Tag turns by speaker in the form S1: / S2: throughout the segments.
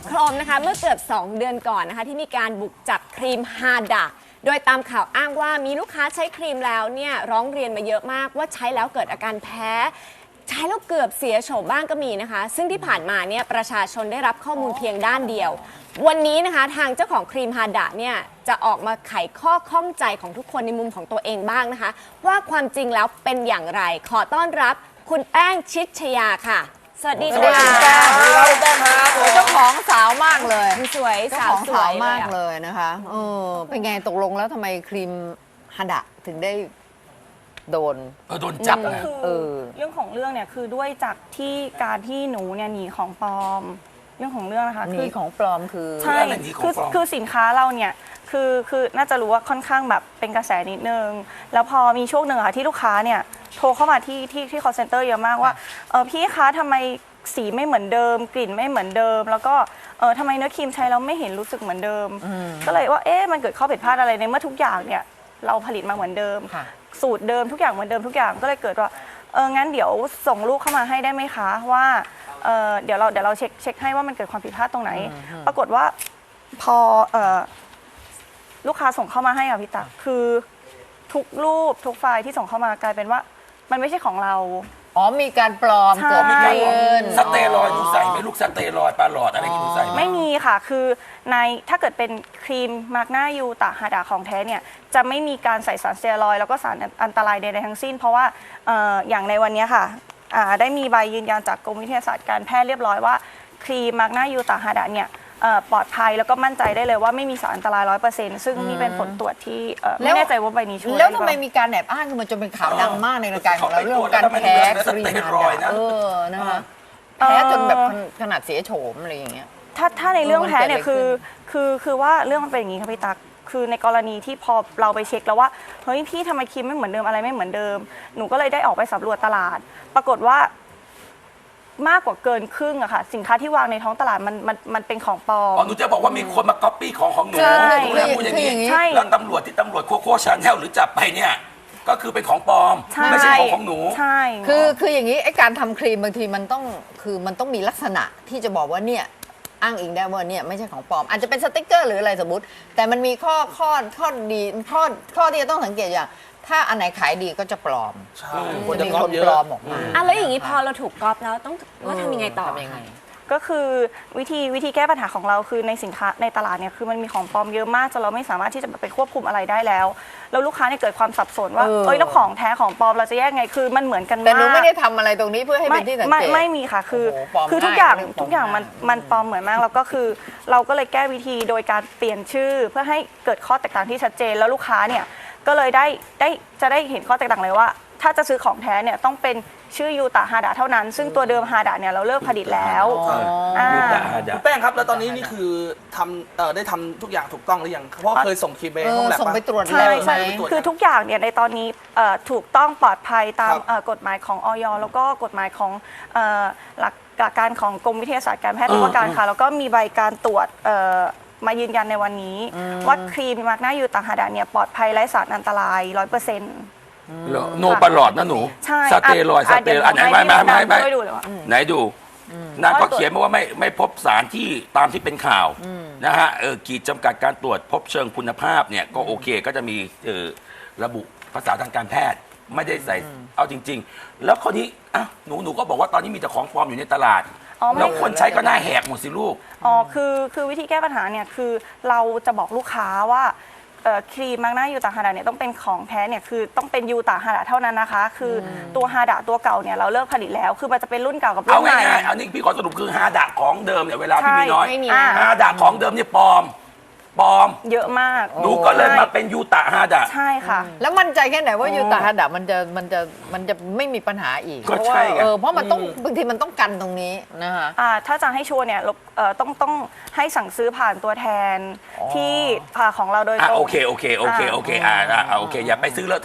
S1: โครมนะคะเมื่อเกือบ2 เดือนก่อนนะคะที่มีการบุกจับครีมฮาดะโดยตามข่าวอ้างว่ามีลูกค้าใช้ครีมแล้วเนี่ยร้องเรียนมาเยอะมากว่าใช้แล้วเกิดอาการแพ้ใช้แล้วเกือบเสียโฉมบ้างก็มีนะคะซึ่งที่ผ่านมาเนี่ยประชาชนได้รับข้อมูลเพียงด้านเดียววันนี้นะคะทางเจ้าของครีมฮาดะเนี่ยจะออกมาไขข้อข้องใจของทุกคนในมุมของตัวเองบ้างนะคะว่าความจริงแล้วเป็นอย่างไรขอต้อนรับคุณแป้งชิดชยาค่ะสวัสดีค่ะ
S2: แป้งแป้งครับเจ้าของสาวมากเลย
S1: สวย
S2: เจ้า
S1: สา
S2: ข
S1: ว
S2: อง
S1: สว
S2: สาวย มากเลยนะคะเป็นไงตกลงแล้วทำไมครีมฮาดะถึงได้โดน
S3: โดนจับ
S4: ก็
S3: นะ
S4: คือ
S2: เออ
S4: เรื่องของเรื่องเนี่ยคือด้วยจากที่การที่หนูเนี่ยหนีของปลอมเรื่องของเรื่องนะคะ
S2: หนีของปลอมคือ
S4: ใช่
S3: อะไรหนีของปลอม
S4: คือสินค้าเราเนี่ยคือน่าจะรู้ว่าค่อนข้างแบบเป็นกระแสนิดนึงแล้วพอมีช่วงหนึ่งค่ะที่ลูกค้าเนี่ยโทรเข้ามาที่ call center เยอะมากว่าพี่คะทำไมสีไม่เหมือนเดิม กลิ่นไม่เหมือนเดิม แล้วก็ทำไมเนื้อครีมใช้แล้วไม่เห็นรู้สึกเหมือนเดิม ก็เลยว่ามันเกิดข้อผิดพลาดอะไรในเมื่อทุกอย่างเนี่ยเราผลิตมาเหมือนเดิม
S2: ค่ะ
S4: สูตรเดิมทุกอย่างเหมือนเดิมทุกอย่างก็เลยเกิดว่างั้นเดี๋ยวส่งลูกเข้ามาให้ได้ไหมคะว่าเดี๋ยวเราเช็คให้ว่ามันเกิดความผิดพลาดตรงไหน ปรากฏว่าพอลูกค้าส่งเข้ามาให้อะพี่ตักคือทุกรูปทุกไฟล์ที่ส่งเข้ามากลายเป็นว่ามันไม่ใช่ของเรา
S2: อ๋อมีการปลอม
S4: ใช่
S2: เกิด
S3: มีการ
S2: ขึ้น
S3: สเตียรอยด์หนูใส่ไหมลูกสเตียรอยด์ปลาหลอดอะไรที่หนูใส่ไหม
S4: ไม่มีค่ะ คือในถ้าเกิดเป็นครีมมาร์กหน้ายูตะฮาดาของแท้เนี่ยจะไม่มีการใส่สารสเตียรอยด์แล้วก็สารอันตรายใดๆทั้งสิ้น เพราะว่าอย่างในวันนี้ค่ะได้มีใบยืนยันจากกรมวิทยาศาสตร์การแพทย์เรียบร้อยว่าครีมมาร์กหน้ายูตะฮาดาเนี่ยปลอดภัยแล้วก็มั่นใจได้เลยว่าไม่มีสารอันตราย 100%ซึ่งนี่เป็นผลตรวจที่ไม่แน่ใจว่าใบนี้ช่วย
S2: แล้ว
S4: ด้
S2: ทำ
S4: หรือ
S2: ไม
S4: เปล่า
S2: มีการแอบอ้างขึ้นมาจนเป็นข่าวดังมากในรายการของเราเรื่องการแพ้ครีมฮาดะนะคะแพ้จนแบบขนาดเสียโฉมอะไรอย่างเงี้ย
S4: ถ้าในเรื่องแพ้เนี่ย
S2: มันเกิดอะไรขึ้น
S4: คือว่าเรื่องมันเป็นอย่างนี้ค่ะพี่ตักคือในกรณีที่พอเราไปเช็คแล้วว่าเฮ้ยพี่ทำไมครีมไม่เหมือนเดิมอะไรไม่เหมือนเดิมหนูก็เลยได้ออกไปสำรวจตลาด ปรากฏว่ามากกว่าเกินครึ่งอะค่ะสินค้าที่วางในท้องตลาดมันเป็นของปลอม
S3: อ๋อหนูจะบอกว่ามีคนมาก๊อปปี้ของหนู
S2: ใช่
S3: หนูจะพูดอย่างนี้
S4: ใช่
S3: แล้วตำรวจที่ตำรวจโคโค่ชาแนลหรือจับไปเนี่ยก็คือเป็นของปลอม
S4: ใช่
S3: ไม่ใช่ของหนู
S4: ใช่
S2: คืออย่างนี้ไอ้การทำครีมบางทีมันต้องมีลักษณะที่จะบอกว่าเนี่ยอ้างอิงได้ว่าเนี่ยไม่ใช่ของปลอม อาจจะเป็นสติกเกอร์หรืออะไรสมมติ แต่มันมีข้อดีข้อที่จะต้องสังเกตอย่างถ้าอันไหนขายดีก็จะปลอม
S5: ใช่
S2: จะมีคนปลอมออกมา
S1: อ่ะแล้วอย่างนี้พอเราถูกก๊อปแล้วต้องทำยังไงต่อ
S2: ทำยังไง
S4: ก็คือวิธีแก้ปัญหาของเราคือในสินค้าในตลาดเนี่ยคือมันมีของปลอมเยอะมากจนเราไม่สามารถที่จะไปควบคุมอะไรได้แล้วแล้วลูกค้าเนี่ยเกิดความสับสนว่า
S2: เออ
S4: แล้วของแท้ของปลอมเราจะแยกไงคือมันเหมือนกันมาก
S2: แต่หนูไม่ได้ทำอะไรตรงนี้เพื่อให้เป็นที่สังเกต
S4: ไม่มีค่ะคือ
S2: โอ้โหปลอม
S4: คือทุกอย่าง
S2: ง่ายเรื่องปลอม
S4: ทุกอย่างมันปลอมเหมือนมากแล้วก็คือเราก็เลยแก้วิธีโดยการเปลี่ยนชื่อเพื่อให้เกิดข้อแตกต่างที่ชัดเจนแล้วลูกค้าเนี่ยก็เลยจะได้เห็นข้อแตกต่างเลยว่า ถ้าจะซื้อของแท้เนี่ยต้องเป็นชื่อยูตะฮาดะเท่านั้น ซึ่งตัวเดิมฮาดะเนี่ยเราเลิกผลิตแล้วา
S3: ยูตะฮาดะ
S5: คุณแป้งครับแล้วตอนนี้นี่คือทำได้ทำทุกอย่างถูกต้องหรือยังเพราะว่าเคยส่งคลิปไปห้องแลบ
S2: ส่งไปตรวจ
S4: ใช่
S2: แล้วไหม
S4: ใช่คือทุกอย่างเนี่ยในตอนนี้ถูกต้องปลอดภัยตาม
S5: ครับ
S4: กฎหมายของอยแล้วก็กฎหมายของหลักการของกรมวิทยาศาสตร์การแพทย์ทุกประการค่ะแล้วก็มีใบการตรวจมายืนยันในวันนี้ว่าครีมมาร์กหน้ายูตะฮาดะเนี่ยปลอดภัยไร้สารอันตราย 100%
S3: โนปลาหลอดนะหนู
S4: ใช่
S3: สเตียรอยด์อันไหนไม่
S4: ช่วยดูเลยว่า
S3: ไหนดูนางก็เขียนมาว่าไม่พบสารที่ตามที่เป็นข่าวนะฮะขีดจำกัดการตรวจพบเชิงคุณภาพเนี่ยก็โอเคก็จะมีระบุภาษาทางการแพทย์ไม่ได้ใส่เอาจริง ๆ แล้วคนนี้อ่ะหนูก็บอกว่าตอนนี้มีแต่ของปลอมอยู่ในตลาด
S4: อ๋อไม่
S3: แล้วคนใช้ก็หน้าแหกหมดสิลูก
S4: อ๋อคือวิธีแก้ปัญหาเนี่ยคือเราจะบอกลูกค้าว่าครีมมาร์กหน้ายูตะฮาดะเนี่ยต้องเป็นของแท้เนี่ยคือต้องเป็นยูตะฮาดะเท่านั้นนะคะ คือตัวฮาดะตัวเก่าเนี่ยเราเลิกผลิตแล้ว คือมันจะเป็นรุ่นเก่ากับรุ่
S3: เอา
S4: นใหม่
S3: ง่ายๆอันนี้พี่ขอสรุปคือฮาดะของเดิมเนี่ยเวลาพี่มีน้อย
S1: ไม่มี
S4: อ่า
S3: ฮาดะของเดิมเนี่ยปลอม
S4: เยอะมาก
S3: หนูก็เลยมาเป็นยูตะฮาดะ
S4: ใช่ค่ะ
S2: แล้วมั่นใจแค่ไหนว่ายูตาฮาดะมันจะไม่มีปัญหาอีก
S3: ก็
S2: เพราะว่า
S3: ใช่ไง
S2: เพราะมันต้องบางทีมันต้องกันตรงนี้นะคะ
S4: ถ้าจะให้ชัวร์เนี่ยต้องให้สั่งซื้อผ่านตัวแทนที่ของเราโดยตรง
S3: โอเคโอเคอย่าไปซื้อเลอะเทอะ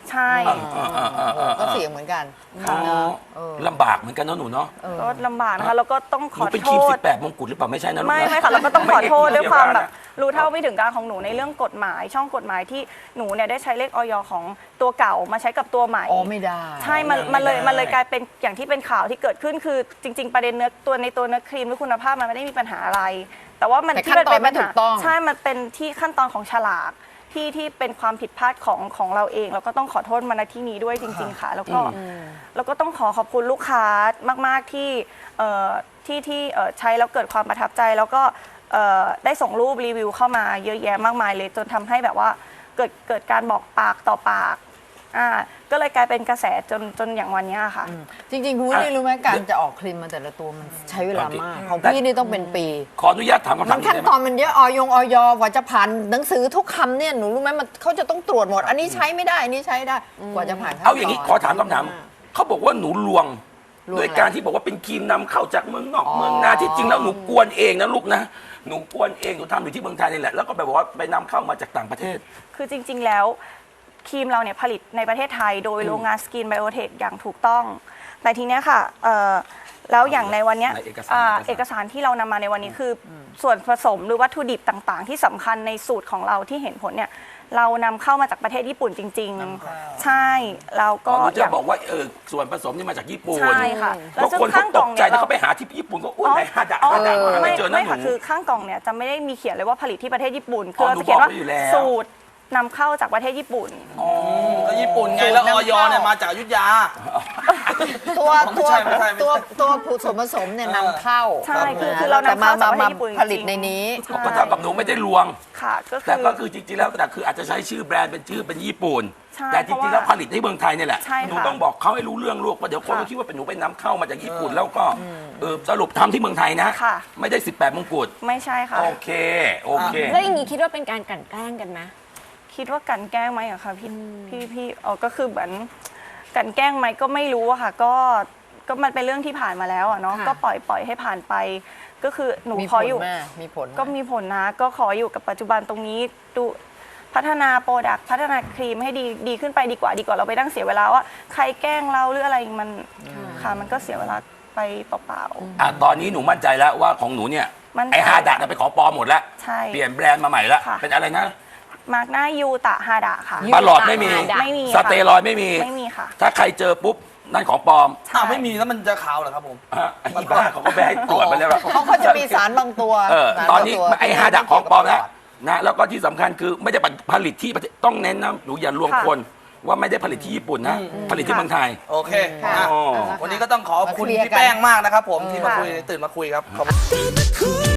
S4: ใช่
S2: ก็เสี่ยงเหมือนกัน
S3: อ๋อ
S2: เออ
S3: ลำบากเหมือนกันเนาะหนูเนาะ
S4: ก็ลำบากนะคะแล้วก็ต้อง
S3: ห
S4: ข
S3: นู
S4: อ
S3: เป็น
S4: โท
S3: ครีม
S4: ษ
S3: 18 มงกุฎหรือเปล่าไม่ใช่นะลูก
S4: ไม่
S3: นะ
S4: ไม่ค่ะเราก็ต้องขอโทษ
S3: ไม่
S4: ด้วยความแบบ
S3: เกี่ยวกันนะ
S4: รู้เท่าไม่ถึงการของหนูในเรื่องกฎหมาย ช่องกฎหมายที่หนูเนี่ยได้ใช้เลขออยของตัวเก่ามาใช้กับตัวใหม่
S2: อ๋อไม่ได้
S4: ใช่มันเลยกลายเป็นอย่างที่เป็นข่าวที่เกิดขึ้นคือจริง ๆ ประเด็นเนื้อตัวในตัวเนื้อครีมหรือคุณภาพมันไม่ได้มีปัญหาอะไร แต่ว่ามัน
S2: แต่
S4: ที่
S2: ขั้นตอน
S4: เป็
S2: ไม่ถูกต้อง
S4: ใช่มันเป็นที่ขั้นตอนของฉลากที่เป็นความผิดพลาดของเราเองแล้วก็ต้องขอโทษมาณที่นี้ด้วยจริง ๆ ค่ะ แล้วก็ต้องขอบคุณลูกค้ามากๆที่ใช้แล้วเกิดความประทับใจแล้วก็ได้ส่งรูปรีวิวเข้ามาเยอะแยะมากมายเลยจนทำให้แบบว่าเกิดการบอกปากต่อปากก็เลยกลายเป็นกระแสจนอย่างวันเนี้ยค่ะ
S2: จริงๆคุณนี่รู้ไหมการจะออกครีมมาแต่ละตัวมันใช้เวลามาก ของพี่นี่ต้องเป็นปี
S3: ขออนุญาตถามคำ
S2: มั
S3: ถาม
S2: น
S3: นี้
S2: ขั้น
S3: ได้ไห
S2: ต
S3: ม
S2: อนมันเยอะออยกว่าจะผ่านหนังสือทุกคำเนี่ยหนูรู้ไหมมันเขาจะต้องตรวจหมด อันนี้ใช้ไม่ได้อันนี้ใช้ได้กว่าจะผ่านขั้นตอน
S3: เอาอย่างนี้ขอถามคำถามเขาบอกว่าหนูลวง
S2: ลวง
S3: ด้วยการที่บอกว่าเป็นครีมนำเข้าจากเมืองนอกเมืองนาที่จริงแล้วหนูกวนเองนะลูกนะหนูกวนเองหนูทำอยู่ที่เมืองไทยนี่แหละแล้วก็ไปบอกว่าไปนำเข้ามาจากต่างประเทศ
S4: คือจริง ๆ แล้วครีมเราเนี่ยผลิตในประเทศไทยโดยโรงงานสกินไบโอเทคอย่างถูกต้อง แต่ทีเนี้ยค่ะแล้วอย่างในวันเนี้ย
S3: ในเอกสาร
S4: เอกสารที่เรานำมาในวันนี้คือส่วนผสมหรือวัตถุดิบต่างๆ ที่สำคัญในสูตรของเราที่เห็นผลเนี่ยเรานำเข้ามาจากประเทศญี่ปุ่นจริง ๆ ใช่แล้ว
S3: ก็
S4: ก็
S3: หนู
S4: อ
S3: จะ
S4: ย่าง
S3: บอกว่าส่วนผสมนี่มาจากญี่ปุ่น
S4: ใช่ค่ะ
S3: บางคนเขาตกใจแล้วเขาไปหาที่ญี่ปุ่นก็อุ้ยไหนฮาดะฮาดะหาไม่เจอนะ
S4: ไม่
S3: ห
S4: ค่ะ
S3: นู
S4: คือข้างกล่องเนี่ยจะไม่ได้มีเขียนเลยว่าผลิตที่ประเทศญี่ปุ่น
S3: อ๋
S4: คือ อ
S3: ห
S4: เรา
S3: นู
S4: จะเขียนว่า
S3: บอกไว้อยู่แล้ว
S4: สูตรนำเข้าจากประเทศญี่ปุ่น
S5: ก็ญี่ปุ่นไงแล้วออยเนี่ยมาจากอยุธยา
S2: ตัว
S5: ไม่ใช่ไม่ใช่
S2: ตัวส่วนผสมเนี่ยนำเข้า
S4: ใช่คือเรานำเข้าจากประเทศญี่ปุ่น
S2: ผลิตในนี้
S4: ใช่
S3: ก็เท่ากับหนูไม่ได้ลวง
S4: ค่ะก็
S3: แต่
S4: คือ
S3: ก็คือจริงๆแล้วแต่คืออาจจะใช้ชื่อแบรนด์เป็นชื่อเป็นญี่ปุ่น
S4: ใช่
S3: แต่จริงๆแล้ว
S4: เพราะว่า
S3: ผลิตในเมืองไทยเนี่ยแหละ
S4: ใช่ค่ะ
S3: หนูต้องบอกเขาให้รู้เรื่องลูกว่าเดี๋ยวคนก็คิดว่าเป็นหนูไปนำเข้ามาจากญี่ปุ่นแล้วก็สรุปทำที่เมืองไทยนะ
S4: ค่ะ
S3: ไม่ได้ 18 มงกุฎ
S4: ไม่ใช่ค่ะ
S3: โอเคโอเค
S1: แล้วอย่างนี้คิดว่าเป็นการกลั่นแกล้งกันไหม
S4: คิดว่ากลันแกล้งไหมอะคะพี่ก็คือเหมือนกลันแกล้งไหมก็ไม่รู้อะค่ะก็มันเป็นเรื่องที่ผ่านมาแล้วอะเนาะ
S1: ค่ะ
S4: ก็ปล่อยให้ผ่านไป ก็คือหนู
S2: มี
S4: ข
S2: ผ
S4: อ
S2: ล
S4: อยู่
S2: ไหมมีผลไหม
S4: ก็มีผลนะก็ขออยู่กับปัจจุบันตรงนี้ดูพัฒนาโปรดักต์พัฒนาครีมให้ดีขึ้นไปดีกว่าเราไปนั่งเสียเวลาว่าใครแกล้งเราหรืออะไรมันค่ะมันก็เสียเวลาไปเปล่า
S3: ตอนนี้หนูมั่นใจแล้วว่าของหนูเนี่ย
S4: มั่นใจ
S3: ไอฮาดะน่ะเป็นของปลอมหมดแล้ว
S4: ใช่
S3: เปลี่ยนแบรนด์มาใหม่แล้ว
S4: ค่ะ
S3: เป็นอะไรนะ
S4: มาร์กหน้ายูตะฮาดะค่ะ
S3: ปลาหลอดไม่มี
S4: ไม่มี
S3: ส
S4: ค่ะ
S3: เตียรอยด์ไม่มี
S4: ไม่มีค่ะ
S3: ถ้าใครเจอปุ๊บนั่นของปลอม
S5: อ้าวไม่มีแล้วมันจะขาวเหรอครับผม
S3: ไอ้บ้าเขาก็ไปให้ตรวจไปแล้วอะ
S2: เขาจะมีสารบางตัว สาร
S3: ตอน
S2: บาง
S3: นี้
S2: ตัว
S3: ไอ้ฮาดะของปลอมนะแล้วก็ที่สำคัญคือไม่ได้ผลิตที่ประเทศต้องเน้นนะหนูอย่าลวง
S4: ค่ะ
S3: คนว่าไม่ได้ผลิตที่ญี่ปุ่นนะ ผลิตที่เมืองไทย
S5: โอเค
S2: ค่ะ
S5: อ่ะ
S3: อ๋อ
S5: วันนี้ก็ต้องขอบคุณ
S2: มาเคลียร์
S5: พี่
S2: กัน
S5: แป้งมากนะครับผมที่มา
S4: ค่ะ
S5: คุยตื่นมาคุยครับขอบคุณ